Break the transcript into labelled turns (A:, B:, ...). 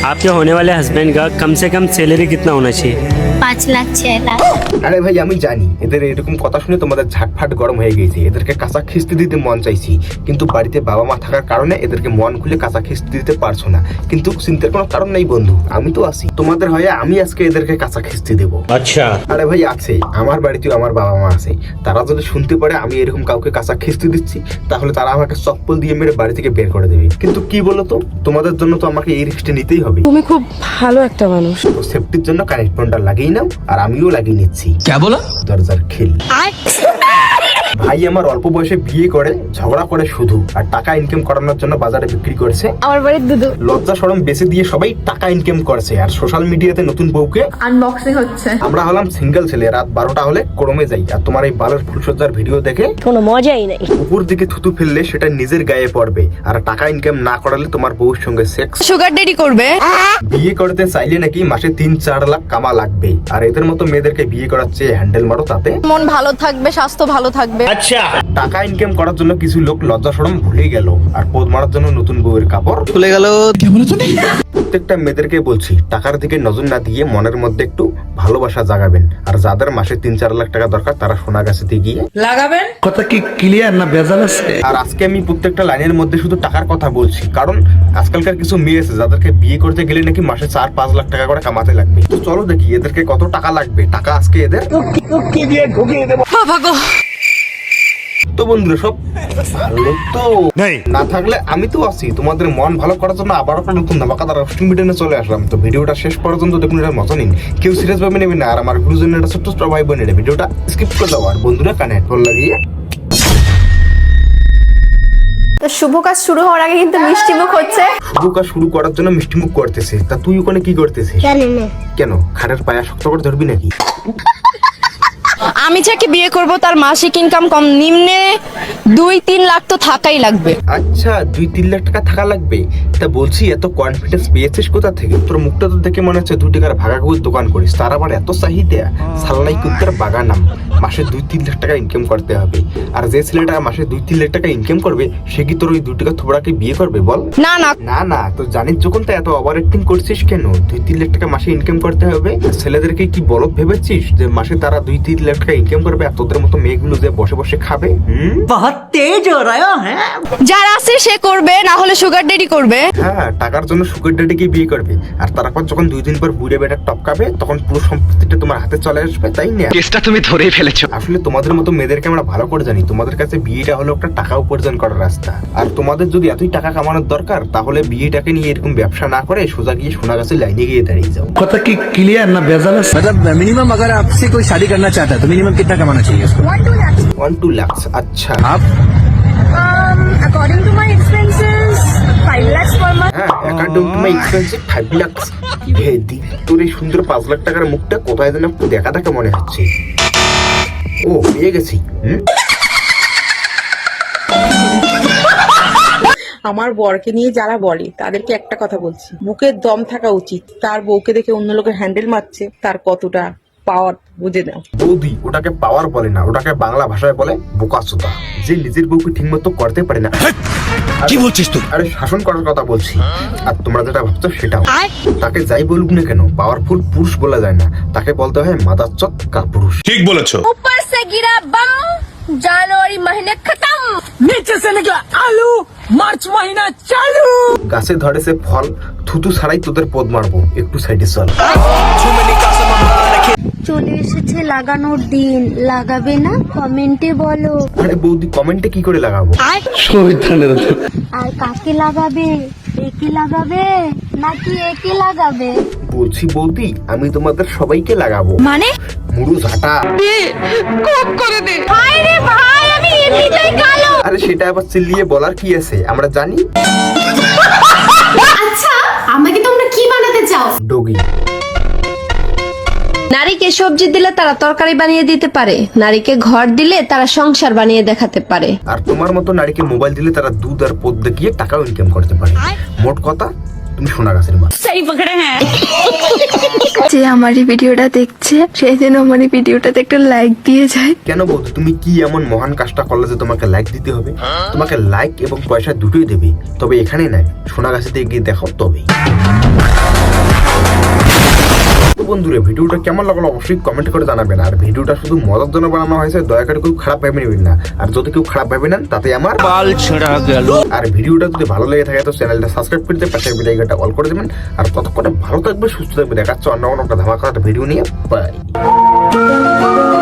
A: आपके होने वाले हस्बैंड का कम से कम सैलरी कितना होना चाहिए?
B: 5 लाख 6 लाख।
C: আরে ভাই আমি জানি এদের এরকম কথা শুনে তোমাদের ঝাটফাট গরম হয়ে গেছে, এদেরকে কাঁচা খিস্তি দিতে মন চাইছি, কিন্তু বাড়িতে বাবা মা থাকার কারণে এদেরকে মন খুলে কাঁচা খিস্তি দিতে পারছো না। কিন্তু চিন্তার কোনো কারণ নেই বন্ধু, আমি তো আছি তোমাদের হয়ে, আমি আজকে এদেরকে কাঁচা খিস্তি দেবো।
A: अच्छा।
C: আরে ভাই আছে, আমার বাড়িতেও আমার বাবা মা আছে, তারা যদি শুনতে পারে আমি এরকম কাউকে কাঁচা খিস্তি দিচ্ছি তাহলে তারা আমাকে চপ্পল দিয়ে মেরে বাড়ি থেকে বের করে দেবে। কিন্তু কি বলতো, তোমাদের জন্য তো আমাকে এই রিস্কটা নিতেই হবে।
D: তুমি খুব ভালো একটা মানুষ।
C: তো সেফটির জন্য কানেক্ট ফোনটা লাগিয়ে নাও, আর আমিও লাগিয়ে নিচ্ছি।
E: क्या बोला?
C: দরজার খিল। ভাই আমার অল্প বয়সে বিয়ে করে ঝগড়া করে শুধু, আর টাকা ইনকাম করানোর জন্য বাজারে বিক্রি করছে।
D: আমার বাড়ির দুধু
C: লজ্জা শরম বেঁচে দিয়ে সবাই টাকা ইনকাম করছে, আর সোশ্যাল মিডিয়াতে নতুন বউকে
D: আনবক্সিং হচ্ছে।
C: আমরা হলাম সিঙ্গেল ছেলে, রাত 12টা হলে ক্রমে যাই, আর তোমার এই বালের ফুলসজ্জার ভিডিও দেখে
B: কোনো মজাই নাই।
C: উপর দিকে থুতু ফেললে সেটা নিজের গায়ে পড়বে, আর টাকা ইনকাম না করালে তোমার বউর সঙ্গে সেক্স
D: সুগার ডেডি করবে।
C: বিয়ে করতে চাইলে নাকি মাসে 3-4 লাখ কামা লাগবে, আর এদের মতো মেয়েদেরকে বিয়ে করার চেয়ে হ্যান্ডেল মারো, তাতে
D: মন ভালো থাকবে, স্বাস্থ্য ভালো থাকবে।
A: अच्छा।
C: টাকা ইনকাম করার জন্য কিছু লোক লজ্জা শরম ভুলে গেল, আর পোদ মারার জন্য নতুন বউয়ের কাপড়
E: খুলে গেল। क्या बोला तूने?
C: প্রত্যেকটা মেয়েদেরকে বলছি টাকার দিকে নজর না দিয়ে মনের মধ্যে একটু ভালোবাসা জাগাবেন, আর যাদের মাসে 3-4 লাখ টাকা দরকার তারা সোনা গাছেতে গিয়ে
D: লাগাবেন।
E: কথা কি ক্লিয়ার না ভেজাল আছে?
C: আর আজকে আমি প্রত্যেকটা লাইনের মধ্যে শুধু টাকার কথা বলছি, কারণ আজকালকার কিছু মেয়ে আছে যাদেরকে বিয়ে করতে গেলে নাকি মাসে 4-5 লাখ টাকা করে কামাতে লাগবে। তো চলো দেখি এদেরকে কত টাকা লাগবে, টাকা আজকে এদের
D: বাবা গো।
C: তো বন্ধুরা সব ভালো তো না থাকলে আমি তো আছি তোমাদের মন ভালো করার জন্য, আবার একটা নতুন ধামাকাদার রোস্টিং ভিডিও নিয়ে চলে আসলাম। তো ভিডিওটা শেষ পর্যন্ত দেখুন, এটা মজা নিন, কেউ সিরিয়াস ভাবে নেবেন না, আর আমার গুরুজনের একটা ছোট্ট ভাই বোনের ভিডিওটা স্কিপ করে দাও, আর বন্ধুরা কানে হেডফোন লাগিয়ে।
F: তো শুভ কাজ শুরু হওয়ার আগে কিন্তু মিষ্টি মুখ হচ্ছে।
C: শুভ কাজ শুরু করার জন্য মিষ্টিমুখ করতেছে, তা তুই ওখানে কি করতেছিস?
B: জানেন না
C: কেন খাটের পায়া শক্ত করে ধরবি নাকি?
D: আমি যাকে বিয়ে করব তার মাসিক ইনকাম কম নিম্নে 2-3 লাখ তো থাকাই লাগবে।
C: আচ্ছা 2-3 লাখ টাকা থাকা লাগবে, তা বলছি এত কনফিডেন্স পেয়েছিস কোথা থেকে? তোর মুখটা তো দেখে মনে হচ্ছে 2 টাকার ভাগাগুলোর দোকান করিস, তার আবার এত চাহিদা। সাল্লাই কুত্তার বাগানাম, মাসে 2-3 লাখ টাকা ইনকাম করতে হবে, আর যে ছেলেটা মাসে 2-3 লাখ টাকা ইনকাম করবে সে কি তোর ওই 2 টাকা থোবড়াকে বিয়ে করবে বল?
D: না না
C: না না, তো জানিস যখন তা এত ওভার অ্যাক্টিং করছিস কেন? 2-3 লাখ টাকা মাসে ইনকাম করতে হবে, ছেলেদেরকে কি বলদ ভেবেছিস যে মাসে তারা 2-3 লাখ টাকা ইনকাম করবে, আর তোদের মতো মেয়েগুলো যে বসে বসে খাবে?
G: बहुत तेज हो रहा है।
D: যার আছে সে করবে, না হলে সুগার ডেডি করবে।
C: হ্যাঁ টাকার জন্য সুগার ড্যাডিকে বিয়ে করবে, আর তারপর যখন 2 দিন পর বুড়ে বেটা টপকাবে তখন পুরো সম্পত্তিটা তোমার হাতে চলে আসবে, তাই না?
E: কেসটা তুমি ধরেই ফেলেছো।
C: আসলে তোমাদের মতো মেয়েদেরকে আমরা ভালো করে জানি, তোমাদের কাছে বিয়েটা হলো একটা টাকা উপার্জন করার রাস্তা, আর তোমাদের যদি এতই টাকা কামানোর দরকার তাহলে বিয়েটাকে নিয়ে এরকম ব্যবসা না করে সোজা গিয়ে সোনা গাছের লাইনে গিয়ে দাঁড়িয়ে যাও।
E: কথা কি ক্লিয়ার না ভেজাল আছে? मतलब मिनिमम अगर आपसे कोई शादी करना चाहता है तो मिनिमम कितना कमाना चाहिए उसको?
C: 1-2 লাখ। আচ্ছা
E: आप
F: According to my expenses, 5 lakhs per month.
C: হ্যাঁ, account to my expensive 5 lakh. হে দি, তোর এই সুন্দর 5 লাখ টাকার মুখটা কোথায় যেন একটু দেখা দেখা মনে হচ্ছে। ও পেয়ে গেছি।
H: আমার বরকে নিয়ে যারা বলে তাদেরকে একটা কথা বলছি, বুকের দম থাকা উচিত। তার বউকে দেখে অন্য লোকের হ্যান্ডেল মারছে, তার কতটা পাওয়ার বুঝে নাও।
C: বৌদি ওটাকে পাওয়ার বলে না, ওটাকে বাংলা ভাষায় বলে বোকাচোদা, যে নিজের বউকে ঠিক মতো করতে পারে না।
E: কি বলছিস তুই?
C: আরে শাসন করার কথা বলছি, আর তোমরা যেটা ভাবছো সেটাও। তাকে যাই বলুক না কেন পাওয়ারফুল পুরুষ বলা যায় না, তাকে বলতে হয় মাদারচোদ কাপুরুষ।
E: ঠিক বলেছো।
F: ऊपर से गिरा बम, जनवरी महीने खत्म।
G: नीचे से निकला आलू, मार्च महीना चालू।
C: গাছে ধরেছে ফল, থুতু ছাড়াই তোদের পদ মারবো, একটু সাইডে চল।
B: চলে এসেছে লাগানোর দিন, লাগাবে না? কমেন্টে বলো।
C: আরে বৌদি কমেন্টে কি করে লাগাবো?
B: আর কাকে লাগাবে? একে লাগাবে নাকি একে লাগাবে?
C: বলছি বৌদি আমি তোমাদের সবাইকে লাগাবো।
D: মানে
C: মুড়ু ঝাঁটা।
F: ভাই রে ভাই, আমি এমনিতেই কালো।
C: আরে সেটা আবার চিল্লিয়ে বলার কি আছে, আমরা জানি।
F: আচ্ছা আমাকে তোমরা কি বানাতে চাও?
C: ডগি।
I: নারীকে সবজি দিলে তারা তরকারি বানিয়ে দিতে পারে, নারীকে ঘর দিলে তারা সংসার বানিয়ে দেখাতে পারে,
C: আর তোমার মতো নারীকে মোবাইল দিলে তারা দুধ আর পদ দেখিয়ে টাকাও ইনকাম করতে পারে। মোট কথা তুমি সোনা গাছের মা।
F: সহি পকড়ে হ্যাঁ।
D: যে আমার এই ভিডিওটা দেখছে সেই জন্য আমার এই ভিডিওটাতে একটা লাইক দিয়ে যায়।
C: কেন বৌদি তুমি কি এমন মহান কাজটা করলে যে তোমাকে লাইক দিতে হবে? তোমাকে লাইক এবং পয়সা দুটোই দেবে, তবে এখানে নাই, সোনা গাছেতে গিয়ে দেখো তবেই। বন্ধুরা ভিডিওটা কেমন লাগলো অবশ্যই কমেন্ট করে জানাবেন। আর ভিডিওটা শুধু মজার জন্য বানানো হয়েছে, দয়া করে কেউ খারাপ ভেবে নেবেন না। আর যদি কেউ খারাপ ভেবে নেন তাতে আমার বাল ছেঁড়া গেল। আর ভিডিওটা যদি ভালো লেগে থাকে তো চ্যানেলটা সাবস্ক্রাইব করে দিয়ে পাশের বেল আইকনটা অল করে দেবেন। আর ততক্ষণে ভালো থাকবে, সুস্থ থাকবে, দেখাচ্ছে অন্য কোনো একটা ধামাকা ভিডিও নিয়ে। বাই।